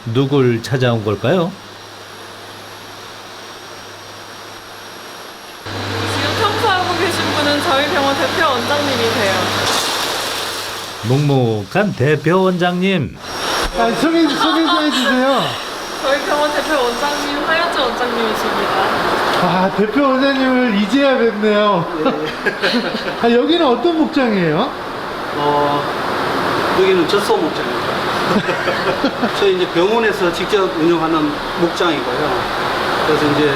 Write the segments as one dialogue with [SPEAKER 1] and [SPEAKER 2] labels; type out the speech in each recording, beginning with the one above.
[SPEAKER 1] 누굴 찾아온 걸까요?
[SPEAKER 2] 지금 청소하고 계신 분은 저희 병원 대표 원장님이세요.
[SPEAKER 1] 묵묵한 대표 원장님.
[SPEAKER 3] 아, 소개 좀 해주세요.
[SPEAKER 2] 저희 병원 대표 원장님 하현주 원장님이십니다.
[SPEAKER 3] 아, 대표 원장님을 이제야 뵙네요. 아, 여기는 어떤 목장이에요?
[SPEAKER 4] 여기는 젖소 목장입니다. 저희 이제 병원에서 직접 운영하는 목장이고요. 그래서 이제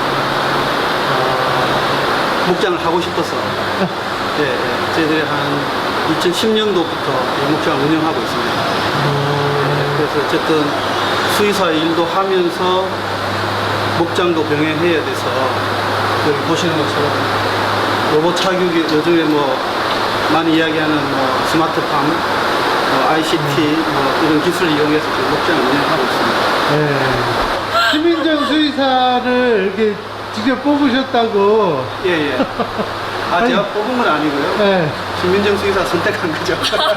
[SPEAKER 4] 목장을 하고 싶어서 저희들이 한 2010년도부터 이 목장을 운영하고 있습니다. 그래서 어쨌든 수의사 일도 하면서 목장도 병행해야 돼서 여기 보시는 것처럼 로봇 착륙이 요즘에 뭐 많이 이야기하는 뭐 스마트팜, ICT 이런 기술을 이용해서 지금 목장을 운영하고 있습니다.
[SPEAKER 3] 네. 심민정 수의사를 이렇게 직접 뽑으셨다고.
[SPEAKER 4] 예. 아, 제가 뽑은 건 아니고요.
[SPEAKER 3] 네.
[SPEAKER 4] 신민정 수의사 선택한 거죠.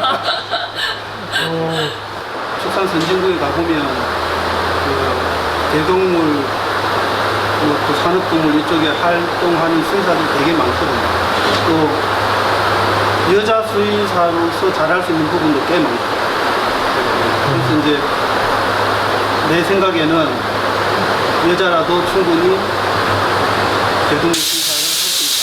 [SPEAKER 4] 축산 선진국에 가보면 그 대동물, 또 산업동물 이쪽에 활동하는 수의사들이 되게 많거든요. 또 여자 수의사로서 잘할 수 있는 부분도 꽤 많고. 그래서 이제 내 생각에는 여자라도 충분히 대동물 수의사를 할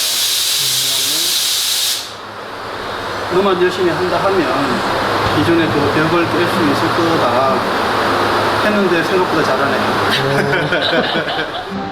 [SPEAKER 4] 수 있다. 너만 열심히 한다 하면 기존에 그 벽을 깰 수 있을 거다 했는데 생각보다 잘하네요.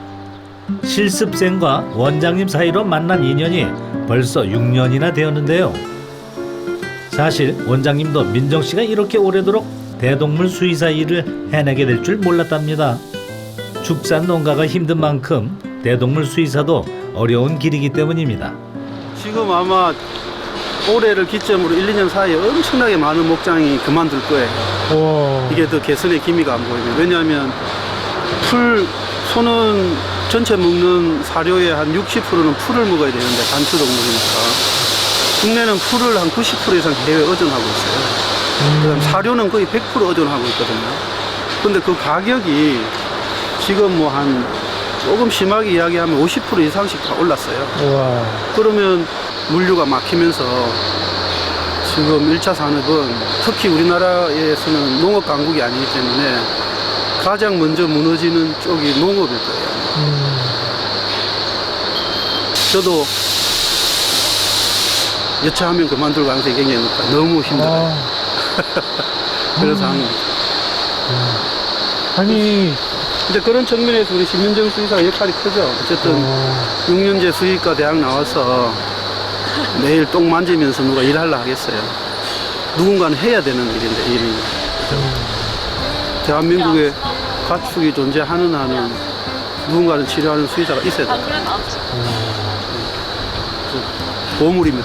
[SPEAKER 1] 실습생과 원장님 사이로 만난 인연이 벌써 6년이나 되었는데요. 사실 원장님도 민정 씨가 이렇게 오래도록 대동물 수의사 일을 해내게 될 줄 몰랐답니다. 축산 농가가 힘든 만큼 대동물 수의사도 어려운 길이기 때문입니다.
[SPEAKER 4] 지금 아마 올해를 기점으로 1, 2년 사이에 엄청나게 많은 목장이 그만둘 거예요.
[SPEAKER 3] 와.
[SPEAKER 4] 이게 더 개선의 기미가 안 보이면. 왜냐하면 소는 전체 먹는 사료의 한 60%는 풀을 먹어야 되는데 단추동물이니까 국내는 풀을 한 90% 이상 해외 의존하고 있어요. 그다음 사료는 거의 100% 의존하고 있거든요. 근데 그 가격이 지금 뭐 한 조금 심하게 이야기하면 50% 이상씩 다 올랐어요.
[SPEAKER 3] 와.
[SPEAKER 4] 그러면 물류가 막히면서 지금 1차 산업은 특히 우리나라에서는 농업 강국이 아니기 때문에 가장 먼저 무너지는 쪽이 농업일 거예요. 저도 여차하면 그만둘 가능성이 굉장히 높다. 너무 힘들어요. 그래서 한 겁니다.
[SPEAKER 3] 아니,
[SPEAKER 4] 이제 그런 측면에서 우리 신민정 수의사 역할이 크죠. 어쨌든 6년제 수의과 대학 나와서 매일 똥 만지면서 누가 일하려 하겠어요. 누군가는 해야 되는 일인데, 일이. 대한민국에 가축이 존재하는 한은 누군가는 치료하는 수의사가 있어야 돼요. 보물입니다,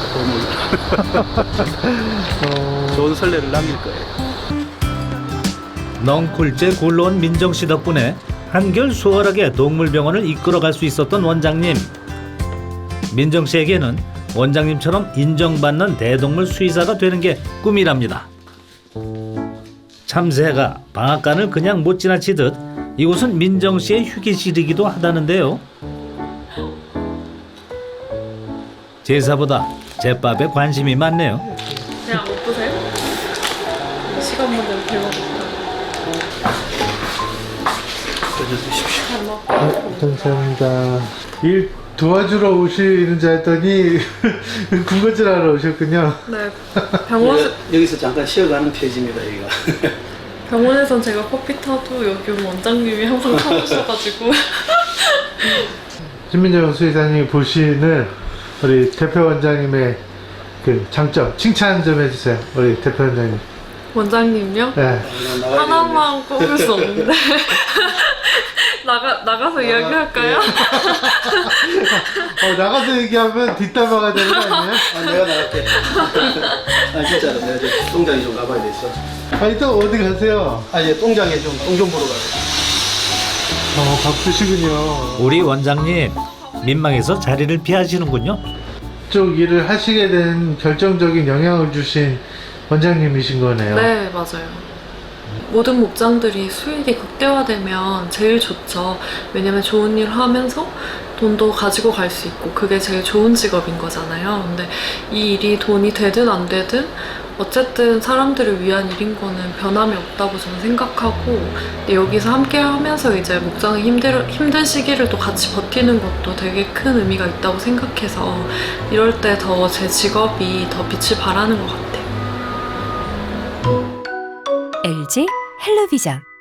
[SPEAKER 4] 보물. 좋은 선례를 남길 거예요.
[SPEAKER 1] 넝쿨째 굴러온 민정 씨 덕분에 한결 수월하게 동물병원을 이끌어갈 수 있었던 원장님. 민정 씨에게는 원장님처럼 인정받는 대동물 수의사가 되는 게 꿈이랍니다. 참새가 방앗간을 그냥 못 지나치듯 이곳은 민정 씨의 휴게실이기도 하다는데요. 제사보다 제밥에 관심이 많네요.
[SPEAKER 2] 그냥 못 보세요? 시간 문제로 배워볼게요.
[SPEAKER 3] 감사합니다. 일 도와주러 오시는 줄 알았더니 군것질 하러 오셨군요.
[SPEAKER 2] 네, 병원
[SPEAKER 4] 여기서 잠깐 쉬어가는 페이지입니다, 여기가.
[SPEAKER 2] 병원에선 제가 커피 타도 여기 원장님이 항상 타주셔가지고.
[SPEAKER 3] 신민정 수의사님이 보시는 우리 대표 원장님의 그 장점, 칭찬 좀 해주세요. 우리 대표 원장님.
[SPEAKER 2] 원장님요?
[SPEAKER 3] 네.
[SPEAKER 2] 하나만 꼽을 수 없는데. 나가서 이야기할까요?
[SPEAKER 3] 나가서 얘기하면 뒷담화가 되는 거 아니에요?
[SPEAKER 4] 아, 내가 나갈게. 아, 진짜로. 내가 이제 똥장에 좀 가봐야 되겠어.
[SPEAKER 3] 아니, 또 어디 가세요?
[SPEAKER 4] 아, 이제 똥장에 좀 똥 좀 보러 가야 돼.
[SPEAKER 3] 바쁘시군요.
[SPEAKER 1] 우리 원장님 민망해서 자리를 피하시는군요.
[SPEAKER 3] 쪽 일을 하시게 된 결정적인 영향을 주신 원장님이신 거네요.
[SPEAKER 2] 네, 맞아요. 모든 목장들이 수익이 극대화되면 제일 좋죠. 왜냐면 좋은 일 하면서 돈도 가지고 갈 수 있고 그게 제일 좋은 직업인 거잖아요. 근데 이 일이 돈이 되든 안 되든 어쨌든 사람들을 위한 일인 거는 변함이 없다고 저는 생각하고, 근데 여기서 함께 하면서 이제 목장의 힘든 시기를 또 같이 버티는 것도 되게 큰 의미가 있다고 생각해서 이럴 때 더 제 직업이 더 빛을 발하는 것 같아요.
[SPEAKER 5] LG 헬로비전